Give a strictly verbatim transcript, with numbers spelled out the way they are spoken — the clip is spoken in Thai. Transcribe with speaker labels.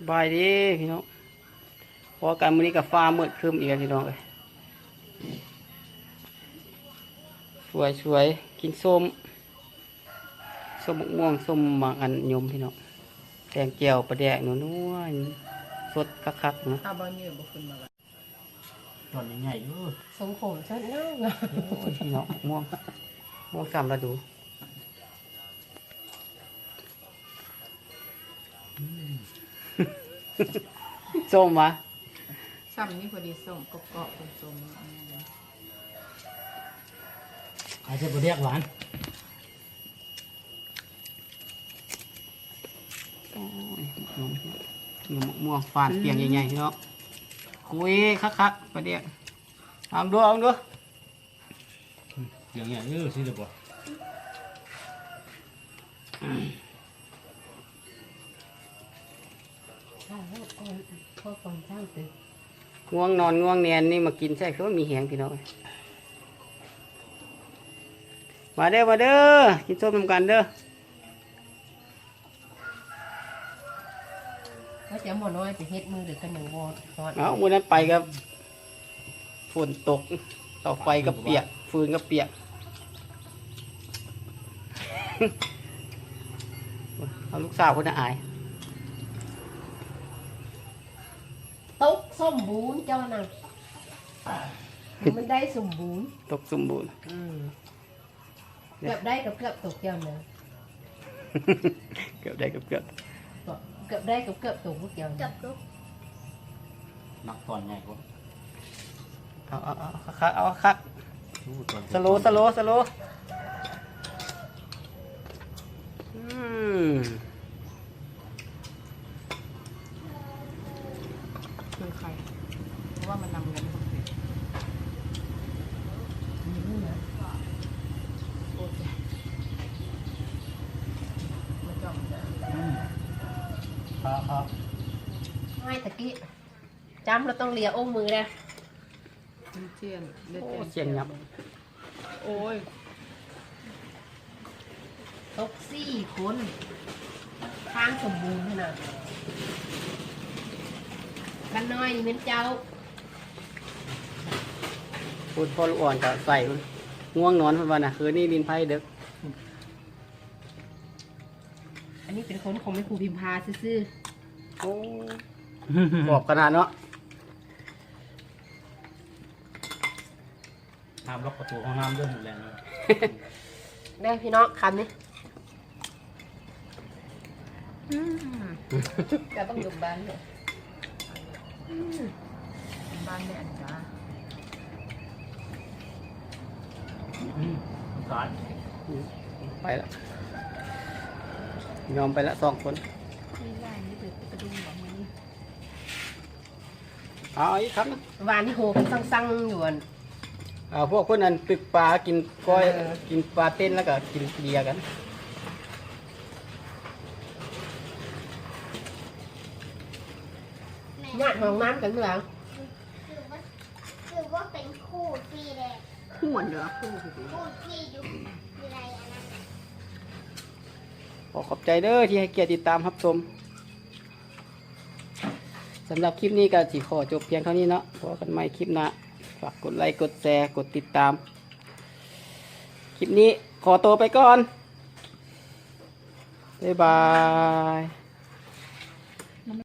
Speaker 1: บายดีพี่น้องพอการมื้อนี้กับฟ้ามืดครึ้มอีกแล้วพี่น้องเลยสวยสวยกินส้มส้มมะม่วงส้มหมากอันยมพี่น้องแกงเจียวปลาแดกนัวนัวสดคักๆนะ
Speaker 2: ข้าวบ้านเยอะบุขึ้นมาละ
Speaker 3: ตอนใหญ่ๆอยู่
Speaker 2: สงขมชัดเนาะ
Speaker 1: โอ้ยพี่น้องมะม่วงม่วงสามฤดูส้มวะ
Speaker 2: ซ้ำนี่พอดีส้มกรอบๆเป็นส้ม
Speaker 3: อาจจะบ่เรียกหวาน
Speaker 1: โอ้ยมะม่วงมะม่วงฟานเปียงใหญ่ๆพี่น้องคุยคักๆปลาแดกเอาดูเอาดู
Speaker 3: อย่างเงี้ยเออสิเด้อบ่
Speaker 2: ข้าวก่อนข้าวก่อนข้าวตื่น
Speaker 1: ง่วงนอนง่วงเนียนนี่มากินใช่คือว่ามีแหงพี่น้องมาเด้อมาเด้อกินส้มนำกันเด้อ
Speaker 2: ว่าจะหมอน้อยไปเฮ็ดมือหรือกันหนึ่งวอดซอส
Speaker 1: เอาวันนั้นไปกับฝนตกต่อไฟก็เปียกฟืนก็เปียก เอาลูกสาวคนน่ะอาย
Speaker 2: ตกส้มบูนเจ้าน่ะมันได้สมบูรณ์
Speaker 1: ตกสมบูรณ์
Speaker 2: เกือบได้กับเกือบตกเจ้าน่ะ
Speaker 1: เกือบได้เกือบเกือบ
Speaker 2: เกือบได้กับเกือบตกพวกเจ้าเกือบตก
Speaker 3: นักตอนใหญ่กว่า
Speaker 1: เอาเอาเอาคักเอาคัก
Speaker 3: อู้ตอน
Speaker 1: สโลว์สโลว์สโลว์อืม
Speaker 2: คือใครเพราะว่ามันนำเงินคนเดียวโอ้ยมาจอม
Speaker 1: เอาเอา
Speaker 2: ไม่ตะกี้จำเราต้องเลียองมือนะเชียน
Speaker 1: โอ้เสียงยับ
Speaker 2: โอ้ยตกสี่คนทางสมบูรณ์ขนาดบ้านน้อยนี่เป็นเจ้า
Speaker 1: พูดพอลูกอ่อนจะใส่มันง่วงนอนเพันวันน่ะคืนนี้ดินไพ่เด็ก
Speaker 2: อันนี้เป็นคนของแม่ครูพิมพาซื่อ
Speaker 1: โอ้บอกขนาดเนาะ
Speaker 3: ห้ามล็อกประตูห้องน้ำด้วยหมดแรงเลย
Speaker 2: ๆได้พี่น้องคำนี้จะต้องอยู่บ้านเลยบ้านแม่อันจ้า
Speaker 3: สาร
Speaker 1: ไปแล้วยอมไปแล้วสองคน
Speaker 2: ไม่ได้นี่เป็นกระดุมแบบนี้
Speaker 1: เอาอีกครับนะ
Speaker 2: วานที่โหกันสั่งๆอยู่อัน
Speaker 1: เอาพวกคนนั้นตึกปลากินก้อย
Speaker 2: เออ
Speaker 1: กินปลาเต้นแล้วก็กินเบียร์กัน
Speaker 2: ญาติห้องน้ำกันเมื่อไหร่
Speaker 4: คือว่าคือว่าเป็นคู่ที่แรก
Speaker 2: คู่เหรอคู่
Speaker 4: คู่ที่ยุคอะไรอันนั้นน่ะ
Speaker 1: ขอขอบใจเด้อที่ให้เกียรติติดตามรับชมสำหรับคลิปนี้ก็สิขอจบเพียงเท่านี้เนาะพบกันใหม่คลิปหน้าฝากกดไลค์กดแชร์กดติดตาม คลิปนี้ขอตัวไปก่อน บ๊ายบาย